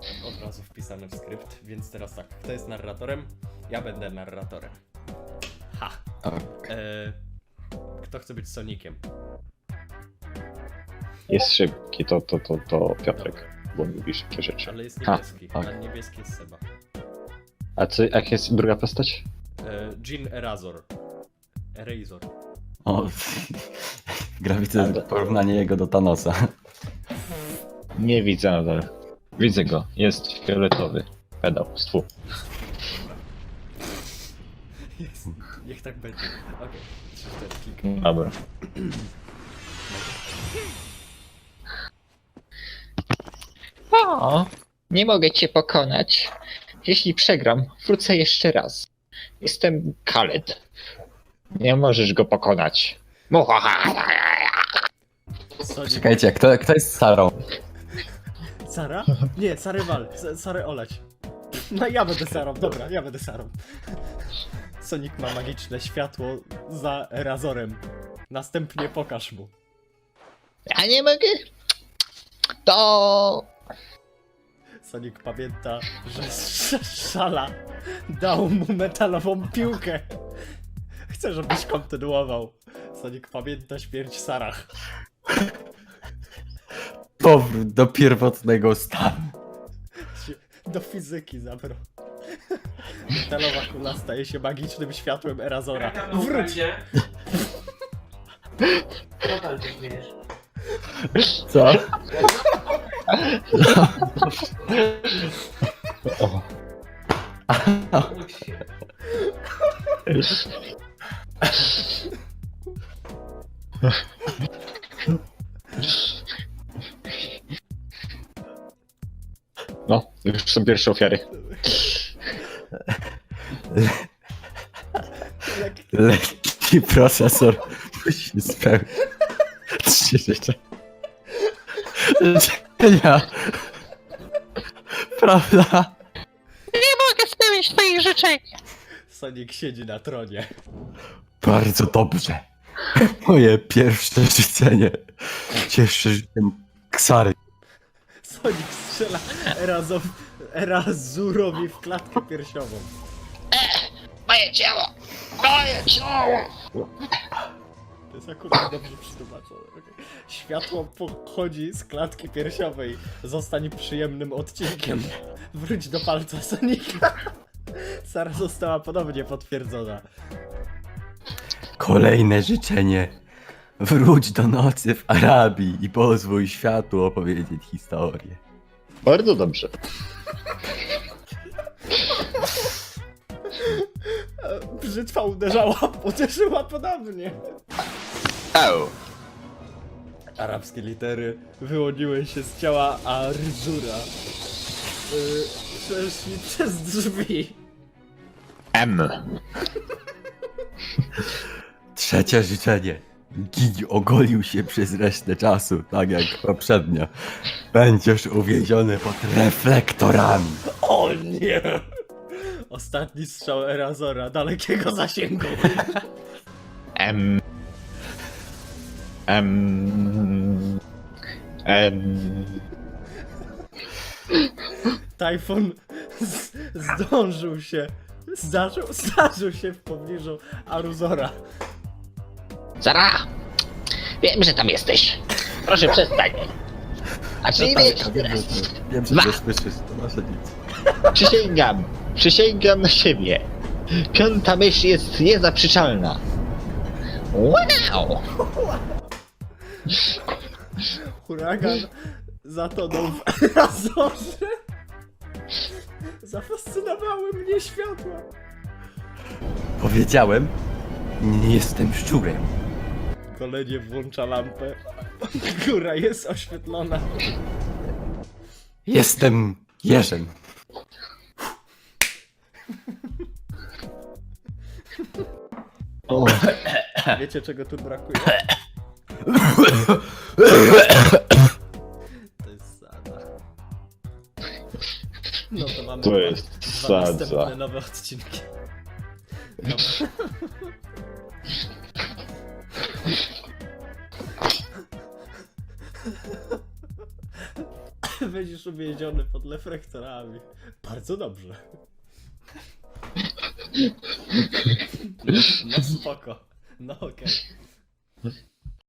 od razu wpisane w skrypt, więc teraz tak, kto jest narratorem? Ja będę narratorem. Ha! Kto chce być Soniciem? Jest szybki, to Piotrek, bo lubi szybkie rzeczy. Ale jest niebieski, tak. a niebieski jest Seba. A co, jak jest druga postać? Jean Erasor. Erasor. O, widzę porównanie jego do Thanosa. Nie widzę nadal. Widzę go, jest fioletowy. Pedał, stwu. Jest. Niech tak będzie. Okej, 3-4 klik. Dobra. O, nie mogę cię pokonać. Jeśli przegram, wrócę jeszcze raz. Jestem Khaled. Nie możesz go pokonać. Sonic. Czekajcie, kto jest Sarą? Sara? Nie, Sarę wal. Sarę olać. No ja będę Sarą, dobra, ja będę Sarą. Sonic ma magiczne światło za Razorem. Następnie pokaż mu. Ja nie mogę. To... Sonic pamięta, że Szala dał mu metalową piłkę. Chcę, żebyś kontynuował. Sonic pamięta śmierć Sarah. Powrót do pierwotnego stanu. Do fizyki zabrał. Metalowa kula staje się magicznym światłem Erazora. Wróć! Co tam się śmiejesz? Co? O, Ucz się. no, już są pierwsze ofiary. Lekki procesor musi spełnić 3 życzenia. Prawda? Mogę spełnić twoich życzeń. Sonic siedzi na tronie. Bardzo dobrze. Moje pierwsze życzenie. Cieszę się Ksary. Sonic strzela Erazurowi w klatkę piersiową. Moje ciało. Moje ciało. To jest akurat dobrze przetłumaczone. Okay. Światło pochodzi z klatki piersiowej. Zostań przyjemnym odcinkiem. Wróć do palca Sonika. Sara została ponownie potwierdzona. Kolejne życzenie. Wróć do nocy w Arabii i pozwól światu opowiedzieć historię. Bardzo dobrze. Brzytwa uderzyła ponownie. Arabskie litery wyłoniły się z ciała Arzura. Przeszli przez drzwi. M. Trzecie życzenie. Gigi ogolił się przez resztę czasu, tak jak poprzednio. Będziesz uwięziony pod reflektorami. O nie! Ostatni strzał Erazora, dalekiego zasięgu. M. M. M. Tajfun zdążył się. Zdarzył się w pobliżu Aruzora. Zara! Wiem, że tam jesteś. Proszę przestań. A czy nie wiesz? Wiem, że to słyszysz, to nasze nic. Przysięgam na siebie. Piąta myśl jest niezaprzeczalna. Wow! Huragan zatonął w Erazorze. Zafascynowały mnie światła. Powiedziałem, nie jestem szczurem. Golenie włącza lampę. Góra jest oświetlona. Jestem jeżem. O, Wiecie czego tu brakuje? To jest sada. No to mamy to jest dwa następne sadza. nowe odcinki. Dobra. Będziesz uwięziony pod reflektorami. Bardzo dobrze. No spoko. No okej.